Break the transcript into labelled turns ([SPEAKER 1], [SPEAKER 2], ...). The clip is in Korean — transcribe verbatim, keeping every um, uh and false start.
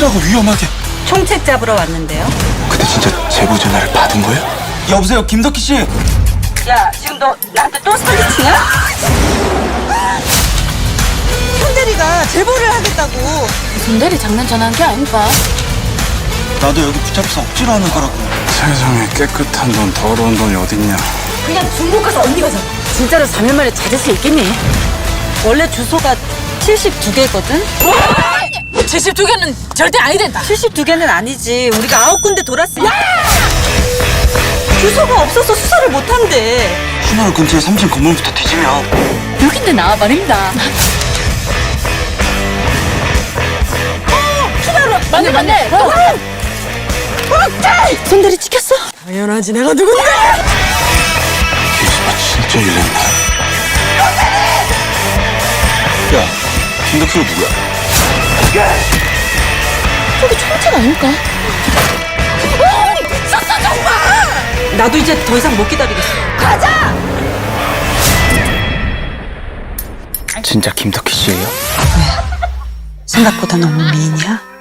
[SPEAKER 1] 어쩌라고 위험하게.
[SPEAKER 2] 총책 잡으러 왔는데요.
[SPEAKER 1] 근데 진짜 제보 전화를 받은 거예요? 여보세요, 김덕희 씨.
[SPEAKER 2] 야, 지금 너 나한테 또 사기치냐? 손대리가 제보를 하겠다고.
[SPEAKER 3] 손대리 장난 전화한 게 아닌가?
[SPEAKER 1] 나도 여기 붙잡혀서 억지로 하는 거라고.
[SPEAKER 4] 세상에 깨끗한 돈, 더러운 돈이 어딨냐.
[SPEAKER 3] 그냥 중국 가서 언니가 잡아. 진짜로 삼 일 만에 찾을 수 있겠니?
[SPEAKER 2] 원래 주소가 칠십이 개거든?
[SPEAKER 3] 칠십이 개는 절대 아니 된다.
[SPEAKER 2] 칠십이 개는 아니지. 우리가 아홉 군데 돌았으니까. 주소가 없어서 수사를 못 한대.
[SPEAKER 1] 신월 근처에 삼층 건물부터 뒤지면.
[SPEAKER 3] 여긴데 나와 말입니다. 맞네 맞네.
[SPEAKER 2] 손대리 찍혔어? 당연하지. 내가 누군데?
[SPEAKER 1] 기수가 진짜 일냈네. 야, 김덕희가 누구야?
[SPEAKER 3] 저기 총책 아닐까?
[SPEAKER 2] 나도 이제 더 이상 못 기다리겠어.
[SPEAKER 1] 진짜 김덕희 씨예요?
[SPEAKER 2] 생각보다 너무 미인이야?